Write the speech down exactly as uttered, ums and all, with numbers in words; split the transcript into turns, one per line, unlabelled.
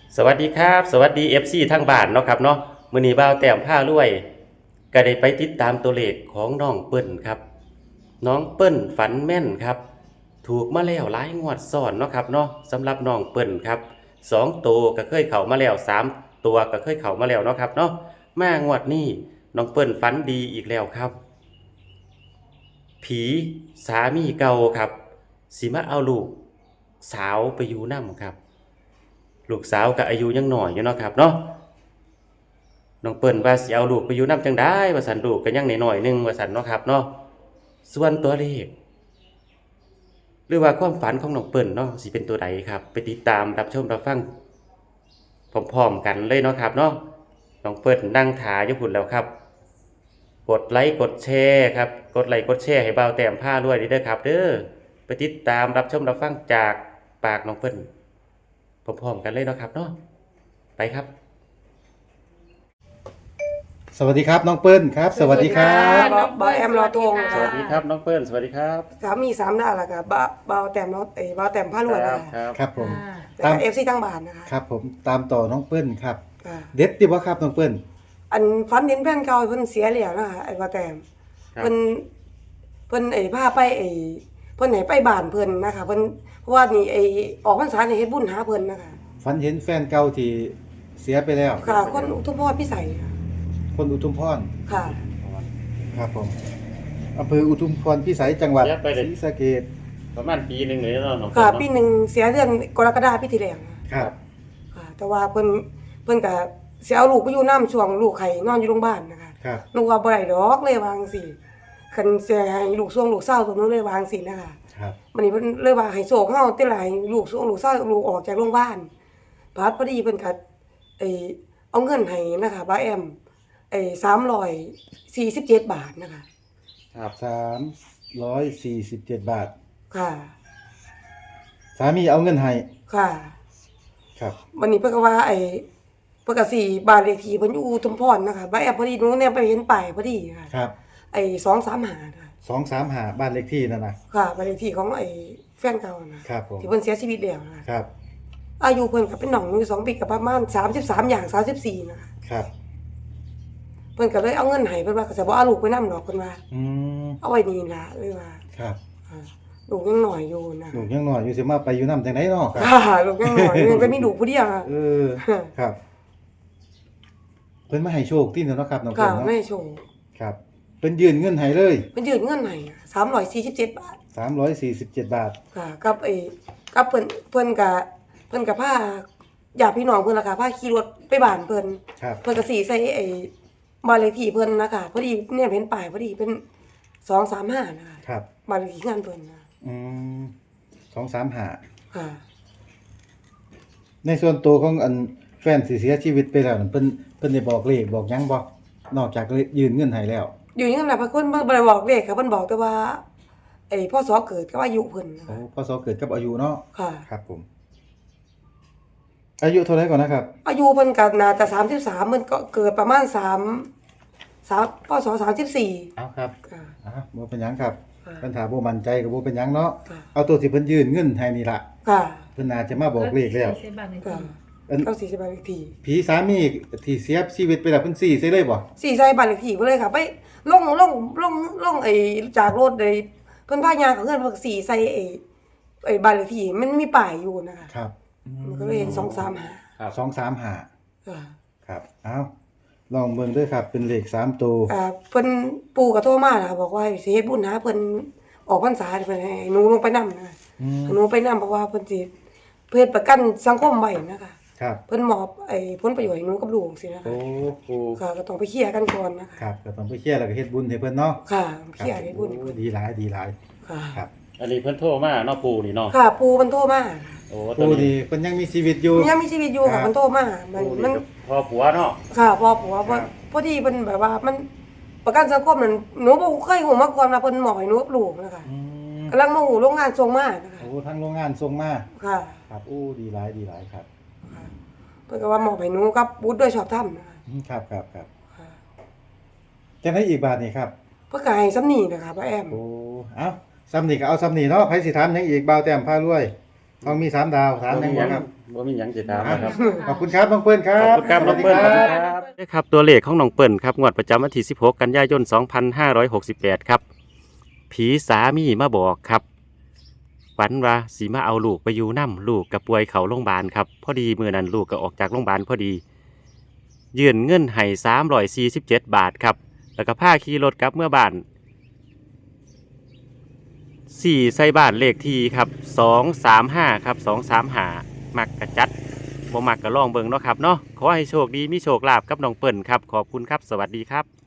สวัสดีครับสวัสดี เอฟ ซี ทั้งบ้านเนาะครับเนาะมื้อนี้บ่าวแต้มพารวยก็ได้ไปติดตามตัวเลขของน้องเปิ้ลครับน้องเปิ้ลฝันแม่นครับถูกมาแล้วหลายงวดซ้อนเนาะครับเนาะสำหรับน้องเปิ้ลครับสองตัวก็เคยเข้ามาแล้วสามตัวก็เคยเข้ามาแล้วเนาะครับเนาะมางวดนี้น้องเปิ้ลฝันดีอีกแล้วครับผีสามีเก่าครับสิมาเอาลูกสาวไปอยู่นำครับ ลูกสาวก็อายุยังน้อยอยู่เนาะครับเนาะน้องเปิ้นว่าสิเอาลูกไปอยู่นำจังได๋ว่าซั่นลูกก็ยังน้อยๆหนึงว่าซั่นเนาะครับเนาะส่วนตัวเลขหรือว่าความฝันของน้องเปิ้นเนาะสิเป็นตัวใดครับไปติดตามรับชมรับฟังพร้อมๆกันเลยเนาะครับเนาะน้องเปิ้นนั่งท่าอยู่พุ่นแล้วครับกดไลค์กดแชร์ครับกดไลค์กดแชร์ให้บ่าวแต้มพารวยเด้อครับเด้อไปติดตามรับชมรับฟังจากปากน้องเปิ้นพร้อมๆกันเลยเนาะครับเนาะไปครับ
สวัสดีครับน้องเปิ้ลครับ สวัสดีครับ
บ่บ่แอมรอตรง
สวัสดีครับน้องเปิ้ลสวัสดีครับ
สามีสามดาวแล้วก็บ่บ่าวแต้มรอเอ้ยบ่าวแต้มพารวยนะ
ครั
คะ
บ
ครับผม
แล้ว
ตาม
ก็ เอฟ ซี ทั้งบ้านนะคะ
ครับผมตามต่อน้องเปิ้ลครับ
ค่ะ
เด็ดดิบ่ครับน้องเปิ้ล
อันฝันเห็นแฟนเก่าเพิ่นเสียแล้วนะคะไอ้บ่าวแต้ม
ครับ
เพิ่นเพิ่นไอ้พาไปไอ้เพิ่นให้ไปบ้านเพิ่นนะคะเพิ่นเพราะว่านี่ไอ้ออกพรรษานี่เฮ็ดบุญหาเพิ่นนะคะ
ฝันเห็นแฟนเก่าที่เสียไปแล้ว
ค่ะคนอุทุมพรพิสัยค่ะ
คนอุทุมพร
ค่ะ
ครับผมอำเภออุทุมพรพิสัยจังหวัด
เสียไป
ศ
เลย
รีสะเกษ
ประมาณปีหนึงเลยเนาะน้อง
ค่ะ
เปิ้ล
ปี
เนาะ
หนึงเสียเดือนกรกฎาคมปีที่แล้วนะ
ครับ
ค่ะ แต่ว่าเพิ่นเพิ่นก็สิเอาลูกไปอยู่น้ำช่วงลูกไข้นอนอยู่โรงพยาบาลนะคะ
ครับ
นึกว่าบ่ได้ดอกเลยวาจั่งสิคันสิให้ลูกส่วงลูกเศร้าตัวนึงเลยวาจั่งสินะคะ
ครับ
วันนี้เพิ่นเลยว่าให้โศกเฮาติหลายลูกส่วงลูกเศร้าลูกออกจากโรงพยาบาลบาดพอดีเพิ่นก็ไอ้เอาเงินให้นะคะบ่าแอมไอ้สามร้อยสี่สิบเจ็ดบาทนะคะ
ครับ
สามร้อยสี่สิบเจ็ดบาท
ค่ะ
สามีเอาเงินให้
ค่ะ
ครับ
วันนี้เพิ่นก็ว่าไอ้เพิ่นก็สิบ้านเลขที่เพิ่นอยู่อุทุมพรนะคะบ่าแอมพอดีหนูเนี่ยไปเห็นป้ายพอดีค่ะ
ครับ
ไอ้สองสามห้าค่ะ
สองสามหาบ้านเลขที่นั่นนะ
ค่ะบ้านเลขที่ของไอ้แฟนเก่านะครับ
ผม
ที่เพิ่นเสียชีวิตแล้วนะคะ
ครับ
อายุเพิ่นก็เป็นน้องอยู่สองปีกับประมาณสามสิบสามอย่างสามสิบสี่นะคะ
ครับ
เพิ่นก็เลยเอาเงินให้เพิ่นว่าก็จะบ่เอาลูกไปนำดอกเพิ่นว่า
อืม
เอาไว้นี่ล่ะเลยว่า
ครับ
อ่าลูกยังน้อยอยู่นะ
ลูกยังน้อยอยู่สิมาไปอยู่นำจังได๋เนาะครับ
ค่ะลูกยังน้อยอยู่ยังก็มีลูกผู้เดียวอะ
เออ ครับ เพิ่นมาให้โชคที่เนาะครับน้อง
ค่ะ
เพิ่นเนาะ
แม่โชว์
ครับเพิ่นยื่นเงินให้เลย
เพิ่นยืนเงินให้สามร้อยสี่สิบเจ็ดบาท
สามร้อยสี่สิบเจ็ดบาท
ค่ะกับไอ้กับเพิ่นเพิ่นก็เพิ่นก็พาญาติพี่น้องเพิ่นล่ะค่ะพาขี่รถไปบ้านเพิ่น
ครับ
เพิ่นก็สิใส่ไอ้บ้านเลขที่เพิ่นนะคะพอดีเนี่ยเห็นป้ายพอดีเป็นสองสามห้านะคะ
ครับ
บ้านเลขที่งานเพิ่นนะ
อืมสองสามห้า
ค่ะ
ในส่วนตัวของอันแฟนที่เสียชีวิตไปแล้วนั่นเพิ่นเพิ่นได้บอกเลขบอกหยังบ่นอกจากยื่นเงินให้แล้ว
อยู่นี่นั่นแหละเพิ่นบ่บ่ได้บอกเลขค่ะเพิ่นบอกแต่ว่าไอ้พ่อสอเกิดกับอายุเพิ่นนะ
โอ้
คะ
พศเกิดกับอายุเนาะ
ค่ะ
ครับผม อายุเท่าไหร่ก่อนนะครับ
อายุเพิ่นก็น่าจะสามสิบสามเพิ่นก็เกิดประมาณ3 3พศสามสิบสี่
เอาครับ
ค่ะ
อ่ะบ่เป็นหยังครับ
ค่ะ
เพิ่นถามบ่มั่นใจก็บ่เป็นหยังเนาะ
ค่ะ
เอาตัวที่เพิ่นยื่นเงินให้นี่ล่ะ
ค่ะ
เพิ่นน่าจะมาบอกเลขแล้ว
ค่ะ
อัน
เก้าสี่สิบบ้านเลขที่
ผีสามีที่เสียชีวิตไปแล้วเพิ่นสี่ใส่เลยบ่
สี่ใส่บ้านเลขที่เพิ่นเลยค่ะไปลงลงลงลงไอ้จากรถไอ้เพิ่นพายางกับเพิ่นเพิ่นสี่ใส่ไอ้ไอ้บ้านเลขที่มันมีป้ายอยู่นะคะ
ครับ
มันก็เลยเห็นสองสามห้า
ครับ
สองสามห้า
ค่ะ
ครับเอาลองเบิ่งเด้วยครับ เป็นเลขสามตัว
อ่าเพิ่นปู่ก็โทรมานะคะบอกว่าสิเฮ็ดบุญหาเพิ่นออกพรรษาเพิ่นให้หนูลงไปนำนะคะ
อืม
หนูไปนำเพราะว่าเพิ่นสิเพื่อประกันสังคมไว้นะคะ
ครับ
เพิ่นมอบไอ้ผลประโยชน์ให้หนูกับลูกจังซี่นะคะ
โอ้โห
ค่ะก็ต้องไปเคลียร์กันก่อนนะคะ
ครับก็ต้องไปเคลียร์แล้วก็เฮ็ดบุญให้เพิ่นเนาะ
ค่ะ
ค
เคลียร์ให้บุญ
โอ้ดีหลายดีหลาย
ค่ะ
ครับ
อันนี้เพิ่นโทรมาเนาะปู่นี่เนาะ
ค่ะปู่มันโทรมา
โอ้ตัว
ผู้
นี้
นี่เพิ่นยังมีชีวิตอยู่
ยังมีชีวิตอยู่
ครั
ค่ะ
บ
มันโทรมามัน
ปู่
มั
นี่
น
ก็พ่อผัวเนาะ
ค่ะพอผัว
ครั
ว่า
บ
พอดีเพิ่นแบบว่ามันประกันสังคมนั่นหนูบ่เคยฮู้มาก่อนว่าเพิ่นมอบให้หนูกับลูกนะคะ
อืม
กำลังมาฮู้โรงงานส่งมานะคะ
โอ้ทางโรงงานส่งมา
ค่ะ
ครับโอ้ดีหลายดีหลายครับ
ค่ะเพิ่นก็ว่ามอบให้หนูกับบุตรด้วยชอบธรรมนะคะ
อืมครับครับครับ
ค่ะ
จังได๋อีกบาทนี่ครับ
เพิ่นก็ให้ซ้ำนี้นะคะป้าแอม
โอ้เอ้าซ้ำนี่ก็เอาซ้ำนี่เนาะไผสิถามหยังอีกบ่าวแต้มพารวยต้องมีสามดาวถามหยังบ่ครับ
บ่มีหยังสิถามนะครับ
ขอบคุณครับน้องเปิ้ลครั
ขอบบ คุณครับน้องเปิ้ล
สวัสดี
ครับครับตัวเลขของน้องเปิ้ลครับงวดประจำวันที่สิบหกกันยายนสองพันห้าร้อยหกสิบแปดครับผีสามีมาบอกครับฝันว่าสีมาเอาลูกไปอยู่น้ำลูกกับป่วยเขาโรงพยาบาลครับพอดีมื้อนั้นลูกก็ออกจากโรงพยาบาลพอดียื่นเงินให้สามร้อยสี่สิบเจ็ดบาทครับแล้วก็พาขี่รถกลับเมื่อบ้านสี่ใส่บ้านเลขที่ครับสองสามห้าครับสองสามห้ามักกระจัดบ่มักก็ลองเบิ่งเนาะครับเนาะขอให้โชคดีมีโชคลาภกับน้องเปิ้ลครับขอบคุณครับสวัสดีครับ